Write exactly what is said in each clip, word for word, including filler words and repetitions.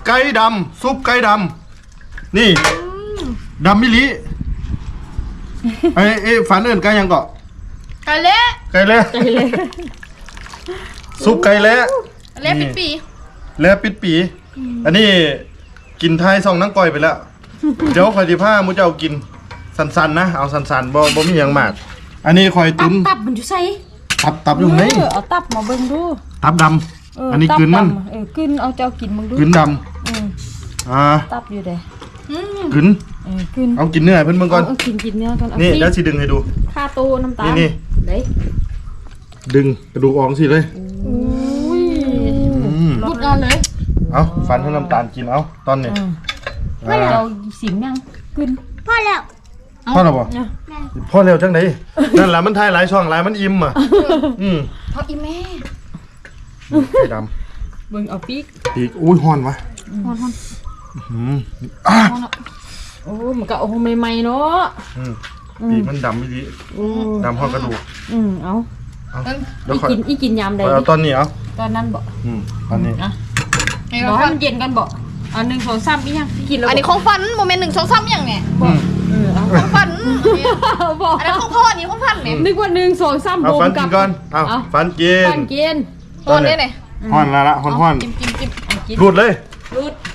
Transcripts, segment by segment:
ไก่ดำซุปไก่ดำนี่ดำมิลิไอ้ไอ้ฝันเอิญไก่ยังเกาะไก่เละไก่เละไก่เละซุปไก่เละเละปิดปีเละปิดปีอันนี้กินไทยซองนังก้อยไปแล้วเดี๋ยวคอยที่ผ้ามูจะเอากินสันๆนะเอาสันๆบ่บ่มีอย่างมากอันนี้คอยตัตุ้บนตับมันอยู่ใส่ตับตับอยู่ไหนเออเอาตับมาเบิ่งดูตับดเออำอันนี้ตับกลืนมันดำเออกลืนเอาเจ้ากินมึงดูกลืนดอืมำอ่าตับอยู่เด้อืมกลืนเออกลืนเอากินเนื้อให้เพิ่นเบิ่งก่อนเอากินกินเนื้อก่อนเอานี่สิเดี๋ยวสิดึงให้ดูค่าโตน้ำตาลนี่เด้ดึงกระดูกออกสิเลยอุ้ยอืมหลุดนอนเลยเอาฟันให้น้ำตาลกินเอาตอนนี้อืมอ่าเจ้าสิมยังกลืนพ่อแล้วบ่เนี่ยพ่อแล้วจังไดนั่นล่ะมันทายหลายช่องหลายมันอิ่มอ่ะอืมเพราะอีแม่ไก่ดเบิ่งเอาปีกำปีกอุ้ยฮ้อนวะฮอนฮอนอืมอ่ะฮอนอ่ะโอ้มันก็เอาใหม่ๆเนาะอืมปีกมันดำไม่ดีโอ้ดำพอกระดูกอืมเอาเอาเอิ่มเดี๋ยวอีค่อยกินอีกินยามใดเอาดิตอนนี้เอาตอนนั้นบ่อืมตอนนี้อ่ะนี่รอเราให้ฟันมันเย็นกันบ่อันหนึ่งสองสามอีหยังกินแล้วบ่อันนี้ของฟันโมเมนต์หนึ่งสองสามอย่างเนี่ยอืมเออเอาของฟันเนี่ยบ่อันนั้นของพ่ออันนี้ของฟันเนี่ยนึกว่าหนึ่งสองสามเอาโบฟันกักิบนก่อนเอาเอาฟันกินฟันกินพ่อเนี่ยเนี่ยฮ้อนละละฮ้อนฮ้อนจิ้มจิ้มจิ้มเอากินรูดเลยรูด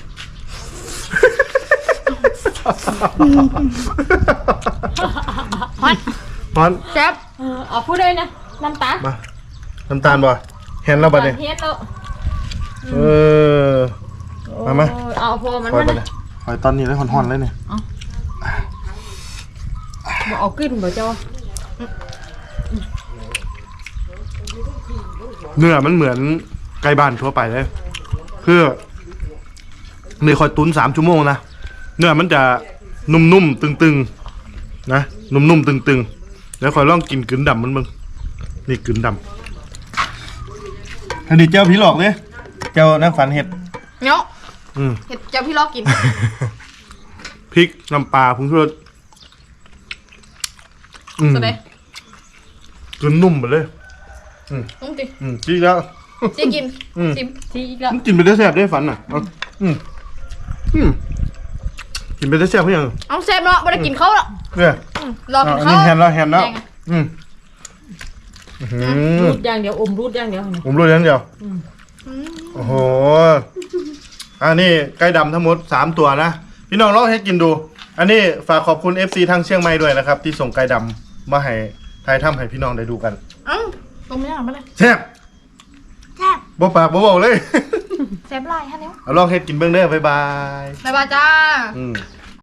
ฮอนฮ้อนแซ่บเออเอาพูดเลยนะน้ำตาลมาน้ำตาลบ่เห็นแล้วบัดนี้เฮ็ดแล้วเออ มามาโอ้ยเอาพอมันคอยมันบัดนี้คอยตอนนี้เลยฮ้อนๆเลยเนี่ยบ่เอาขึ้นบ่เจ้าเนื้อมันเหมือนไก่บ้านทั่วไปเลยคือเนื้อคอยตุ้นสามชั่วโมงนะเนื้อมันจะนุ่มๆตึงๆนะนุ่มๆตึงๆแล้วคอยลองกินกลืนดำมันมึงนี่กลืนดำอันนี้เจ้าผีหลอกเลยเจ้านักฝันเห็ดเนาะอืมเห็ดเจ้าพี่ลอกกินพริกน้ำปลาผงชูรสอืมสุดเลยกลืนนุ่มไปเลยต้องจิอืมจริงแล้วจิกินอืมจิ้มทีอีกแล้วมันกินไปได้แซ่บได้ฝันอ่ะเอาอืมอืมกินไปได้แซ่บเพื่อยังเอาแซ่บเนาะไม่ได้กินเขาหรอกเนี่ยอืมรอกินอันเขานี้แฮนแล้วแฮนแล้วแดงอะอืมอื้อหือรูดอย่างเดียวอมรูดอย่างเดียวเนี่ยผมรู้อย่างเดียวอืมโอ้โหอันนี้ไก่ดำทั้งหมดสามตัวนะพี่น้องลองให้กินดู อันนี้ฝากขอบคุณ เอฟ ซี ทางเชียงใหม่ด้วยนะครับ ที่ส่งไก่ดำมาให้ทายถ้ำให้พี่น้องได้ดูกันเอ้าตรงไม่ได้หรอไม่ได้แซ่บแซ่บบ่ปากบ่บอกเลยแซ่บไรฮะเนี่ยเอาลองเฮ็ดกินเบื้องเด้อบ๊ายบายบ๊ายบายจ้าอืม